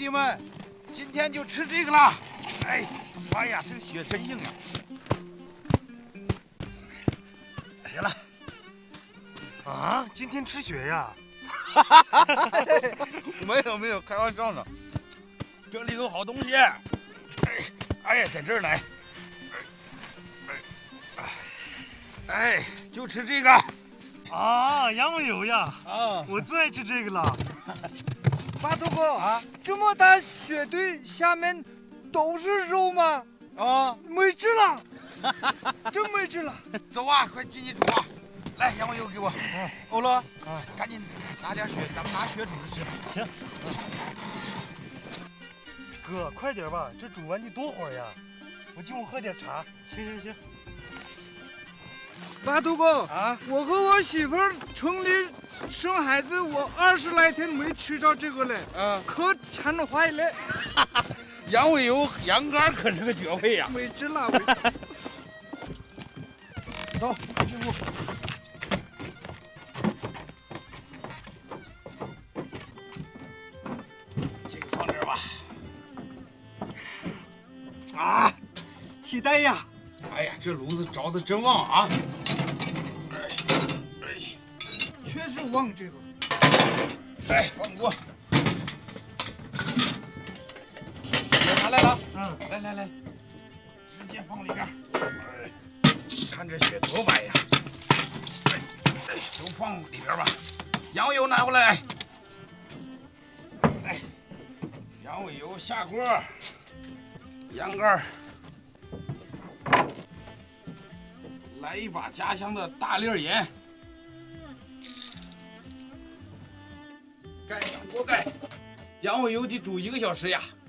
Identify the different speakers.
Speaker 1: 弟们，今天就吃这个了。哎呀，这个血真硬呀！行了。
Speaker 2: 啊，今天吃血呀？
Speaker 1: 没有，开玩笑呢。这里有好东西。哎呀，在这儿呢。就吃这个。
Speaker 2: 啊，羊尾油呀！
Speaker 1: 啊，
Speaker 2: 我最爱吃这个了。
Speaker 3: 巴头哥啊，这么大雪堆下面都是肉吗？
Speaker 1: 啊，
Speaker 3: 没治了，真没治了。
Speaker 1: 走啊，快进去煮啊！来，羊尾油给我。欧乐，赶紧拿点血，咱们拿血煮着吃。
Speaker 2: 行。哥，快点吧，这煮完得多会儿呀？我进屋喝点茶。行。
Speaker 3: 巴头哥
Speaker 1: 啊，
Speaker 3: 我和我媳妇儿城里生孩子，我20来天没吃着这个嘞，可馋坏了。
Speaker 1: 羊尾油、羊肝可是个绝配呀！
Speaker 3: 没治了，
Speaker 1: 走，进屋。这个放这儿吧。啊，
Speaker 3: 期待呀！
Speaker 1: 哎呀，这炉子着的真旺啊！
Speaker 3: 确实旺这个。
Speaker 1: 放锅。拿来了。来，直接放里边。看这血多白呀！都放里边吧。羊尾油拿回来。羊尾油下锅，羊肝，来一把家乡的大粒盐，盖上锅盖，羊尾油得煮1个小时呀。